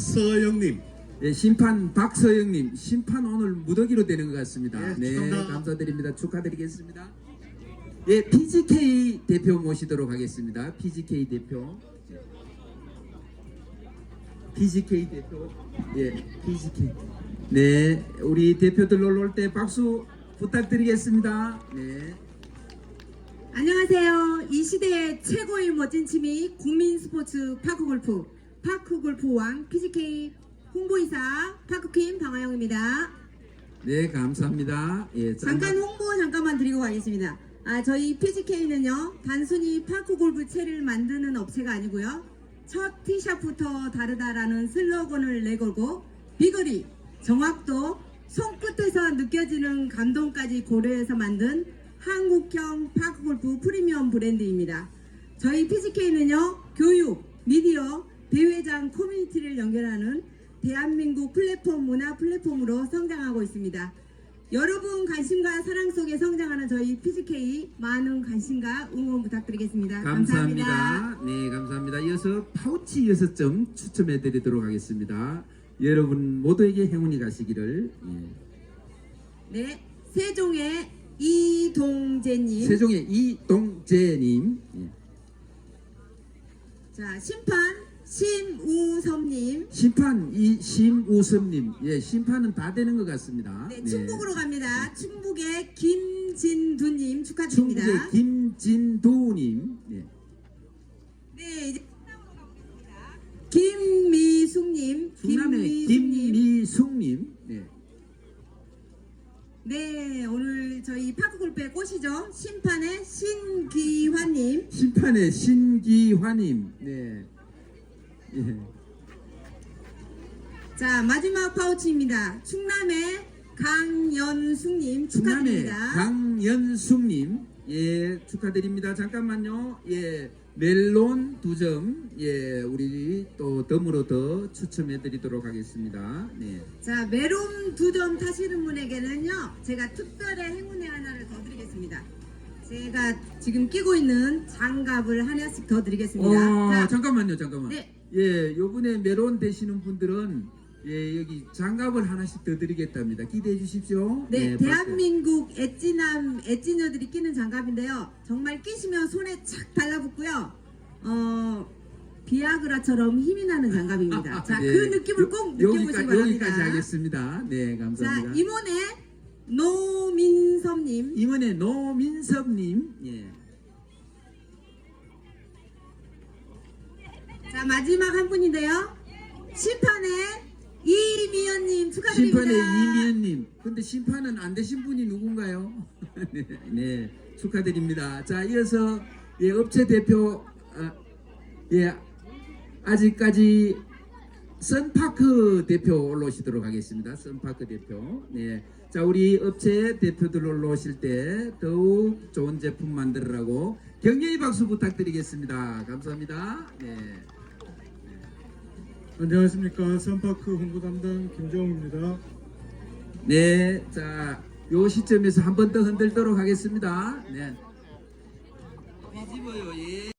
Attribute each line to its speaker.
Speaker 1: 박서영님.
Speaker 2: 예, 심판 박서영님, 심판 오늘 무더기로 되는 것 같습니다.
Speaker 1: 네, 축하합니다.
Speaker 2: 감사드립니다. 축하드리겠습니다. 예, PGK 대표 모시도록 하겠습니다. PGK 대표. PGK 대표. 예, PGK. 네, 우리 대표들 놀러 올 때 박수 부탁드리겠습니다. 네.
Speaker 3: 안녕하세요. 이 시대의 최고의 멋진 취미 국민 스포츠 파크골프 파크골프왕 PGK 홍보이사 파크퀸 방아영입니다.
Speaker 2: 네, 감사합니다. 예,
Speaker 3: 잠깐 홍보 잠깐만 드리고 가겠습니다. 저희 PGK는요 단순히 파크골프채를 만드는 업체가 아니고요, 첫 티샷부터 다르다라는 슬로건을 내걸고 비거리, 정확도, 손끝에서 느껴지는 감동까지 고려해서 만든 한국형 파크골프 프리미엄 브랜드입니다. 저희 PGK는요 교육, 미디어, 대회장 커뮤니티를 연결하는 대한민국 플랫폼 문화 플랫폼으로 성장하고 있습니다. 여러분 관심과 사랑 속에 성장하는 저희 PGK 많은 관심과 응원 부탁드리겠습니다.
Speaker 2: 감사합니다. 네, 감사합니다. 이어서 파우치 6점 추첨해 드리도록 하겠습니다. 여러분 모두에게 행운이 가시기를. 예.
Speaker 3: 네, 세종의 이동재님.
Speaker 2: 세종의 이동재님. 예.
Speaker 3: 자, 심판 심우섭님.
Speaker 2: 심판 심우섭님. 예, 심판은 다 되는 것 같습니다.
Speaker 3: 네, 충북으로 갑니다. 충북의 김진두님 축하드립니다.
Speaker 2: 충북의 김진두님. 예.
Speaker 3: 네, 이제 충남으로 가보겠습니다. 김미숙님.
Speaker 2: 충남의 김미숙님. 네.
Speaker 3: 네, 오늘 저희 파크골프의 꽃이죠. 심판의 신기환님.
Speaker 2: 심판의 신기환님. 네. 예.
Speaker 3: 자, 마지막 파우치입니다. 충남의 강연숙님
Speaker 2: 충남의
Speaker 3: 축하드립니다.
Speaker 2: 강연숙님. 예, 축하드립니다. 잠깐만요. 예, 멜론 2점. 예, 우리 또 덤으로 더 추첨해 드리도록 하겠습니다. 네.
Speaker 3: 자, 메론 2점 타시는 분에게는요 제가 특별한 행운의 하나를 더 드리겠습니다. 제가 지금 끼고 있는 장갑을 하나씩 더 드리겠습니다. 자,
Speaker 2: 잠깐만.
Speaker 3: 네.
Speaker 2: 예, 요번에 메론 되시는 분들은 예, 여기 장갑을 하나씩 더 드리겠답니다. 기대해 주십시오.
Speaker 3: 네,
Speaker 2: 예,
Speaker 3: 대한민국 애찌녀들이 끼는 장갑인데요. 정말 끼시면 손에 착 달라붙고요. 비아그라처럼 힘이 나는 장갑입니다. 자,
Speaker 2: 예.
Speaker 3: 그 느낌을 꼭 느껴보시기 바랍니다.
Speaker 2: 여기까지 하겠습니다. 네, 감사합니다.
Speaker 3: 자, 임원의 노민섭님.
Speaker 2: 임원의 노민섭님. 예.
Speaker 3: 자, 마지막 한 분인데요. 심판의 이미연님 축하드립니다.
Speaker 2: 심판의 이미연님. 근데 심판은 안 되신 분이 누군가요? 네, 네, 축하드립니다. 자, 이어서 예, 업체 대표 예, 아직까지 선파크 대표 올라오시도록 하겠습니다. 선파크 대표. 네. 자, 우리 업체 대표들 올라오실 때 더욱 좋은 제품 만들으라고 격려의 박수 부탁드리겠습니다. 감사합니다. 네.
Speaker 1: 안녕하십니까. 선파크 홍보 담당 김정우입니다.
Speaker 2: 네, 자, 요 시점에서 한 번 더 흔들도록 하겠습니다. 네. 뒤집어요. 예.